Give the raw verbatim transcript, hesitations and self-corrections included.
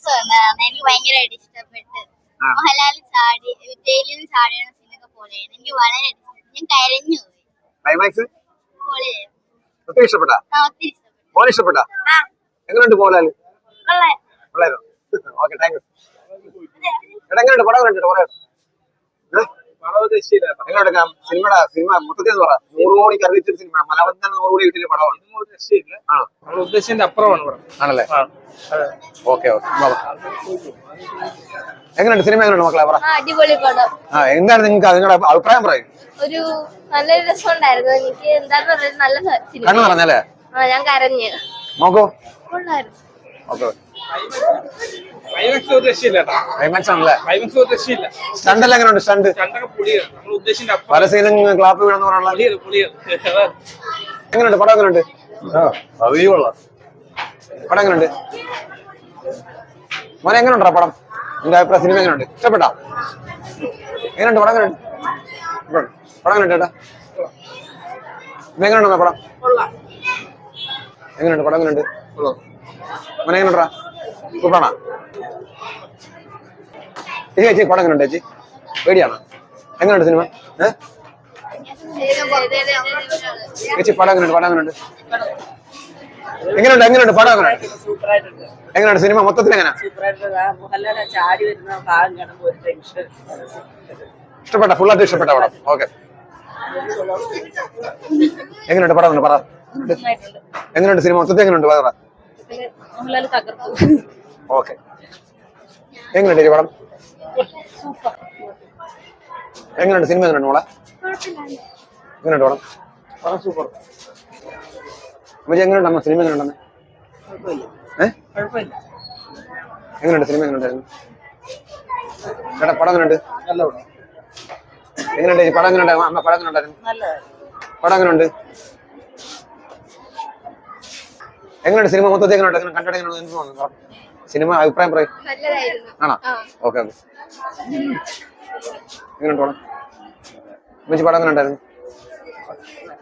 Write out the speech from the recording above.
Climax എനിക്ക് ഭയങ്കരമായിട്ട് ഇഷ്ടപ്പെട്ട്. മോഹൻലാൽ ചാടി ജയിലിൽ നിന്ന് ചാടിയ സീനൊക്കെ പൊളിയായിരുന്നു. എനിക്ക് വളരെ ഞാൻ കരഞ്ഞു പോയി. ക്ലൈമാക്സ് പൊളിയായിരുന്നു. ഒത്തിരി ഇഷ്ടപ്പെട്ടാ? ഒത്തിരി ഇഷ്ടപ്പെട്ടു. മോനെ ഇഷ്ടപ്പെട്ടാ? എങ്ങനെയുണ്ട് മോഹൻലാൽ? കൊള്ളായിരുന്നു. Okay, thank you. എടാ എങ്ങനെയുണ്ട് പടം? കണ്ടിട്ട് പറയാം. എങ്ങനെയുണ്ട് സിനിമയുടെ സിനിമ മൊത്തത്തിൽ എന്ന് പറ. നൂറ് കോടി കറിയിച്ച സിനിമ, മലയാളത്തിൽ തന്നെ നൂറ് കോടി കിട്ടിയ പടമാണ്. ആണോ? നമ്മൾ ഉദ്ദേശിച്ചതിന്റെ അപ്പുറമാണ് പടം. ആണല്ലേ? Okay okay. എങ്ങനെയുണ്ട് സിനിമ? എങ്ങനെയുണ്ട് മക്കളെ പറ. അടിപൊളി പടം. ആ എന്താണ് നിങ്ങൾക്ക് നിങ്ങളുടെ അഭിപ്രായം പറയും? ഒരു നല്ലൊരു രസമുണ്ടായിരുന്നു. എനിക്ക് എന്താന്ന് പറയുന്നത് നല്ല സിനിമ. കണ്ണു പറഞ്ഞല്ലേ? ആ ഞാൻ കരഞ്ഞു. നോക്കൂ. കൊള്ളായിരുന്നു. ഓക്കെ. ക്ലൈമാക്സ് ഒരു രക്ഷയില്ല. ക്ലൈമാക്സ് ആണല്ലേ? ക്ലൈമാക്സ് ഒരു രക്ഷയില്ല. സ്റ്റണ്ട് എല്ലാം എങ്ങനെയുണ്ട്? സ്റ്റണ്ട് രണ്ടൊക്കെ പൊളിയാണ്. നമ്മൾ ഉദ്ദേശിച്ചതിന്റെ അപ്പുറം. പല സീനും ക്ലാപ്പ് വീണെന്ന് പറയാനുള്ള. പൊളിയാണ് പൊളിയാണ്. എങ്ങനെയുണ്ട് പടം? എങ്ങനെയുണ്ട് പടം? എങ്ങനെയുണ്ട് മോനെ? എങ്ങനെയുണ്ടാ പടം? നിന്റെ അഭിപ്രായം സിനിമ എങ്ങനെയുണ്ട്? ഇഷ്ടപ്പെട്ടാ? എങ്ങനെയുണ്ട് പടം? എങ്ങനെയുണ്ട് പടം? എങ്ങനെയുണ്ട് ചേട്ടാ? എങ്ങനെയുണ്ടോ പടം? എങ്ങനെയുണ്ട് പടം? എങ്ങനെയുണ്ട് മോനെ? എങ്ങനെയുണ്ടാ? സൂപ്പറാണോ ചേച്ചി? ചേച്ചി പടം എങ്ങനെയുണ്ട് ചേച്ചി? പേടിയാണോ? എങ്ങനെയുണ്ട് സിനിമ? ഏഹ് ചേച്ചി പടം എങ്ങനെയുണ്ട്? പടം എങ്ങനെയുണ്ട്? എങ്ങനെയുണ്ട്? എങ്ങനെയുണ്ട് പടം? എങ്ങനെയുണ്ട്? എങ്ങനെയുണ്ട് സിനിമ മൊത്തത്തിൽ? എങ്ങനെ ഇഷ്ടപ്പെട്ട? ഫുള്ളായിട്ട് ഇഷ്ടപ്പെട്ട പടം? ഓക്കെ. എങ്ങനെയുണ്ട് പടം? പറ. എങ്ങനെയുണ്ട് സിനിമ മൊത്തത്തിൽ? എങ്ങനെയുണ്ട് പറ. ഓക്കെ. എങ്ങനെയുണ്ട് ഈ പടം? എങ്ങനെയുണ്ട് സിനിമ? എങ്ങനെയുണ്ട് മോളെ? എങ്ങനെയുണ്ട് പടം? പടം സൂപ്പർ. അമ്മച്ചി എങ്ങനെയുണ്ട് അമ്മ സിനിമ? എങ്ങനെയുണ്ടെന്ന്? ഏഹ് എങ്ങനെയുണ്ട് സിനിമ? എങ്ങനെയുണ്ടായിരുന്നു ചേട്ടാ? പടം എങ്ങനെയുണ്ട്? നല്ല പടം. എങ്ങനെയുണ്ട് ഈ പടം? എങ്ങനെയുണ്ട് അമ്മ? പടം എങ്ങനെയുണ്ടായിരുന്നു? പടം എങ്ങനെയുണ്ട്? എങ്ങനെയുണ്ട് സിനിമ മൊത്തത്തിൽ? എങ്ങനെയുണ്ട്? എങ്ങനെ കണ്ടിട്ട് എങ്ങനെയുണ്ട്? എന്ത് തോന്നുന്നു സിനിമ? അഭിപ്രായം പറയും. ആണോ? Okay okay. എങ്ങനെയുണ്ട് പടം? അമ്മച്ചി പടം എങ്ങനെ ഉണ്ടായിരുന്നു?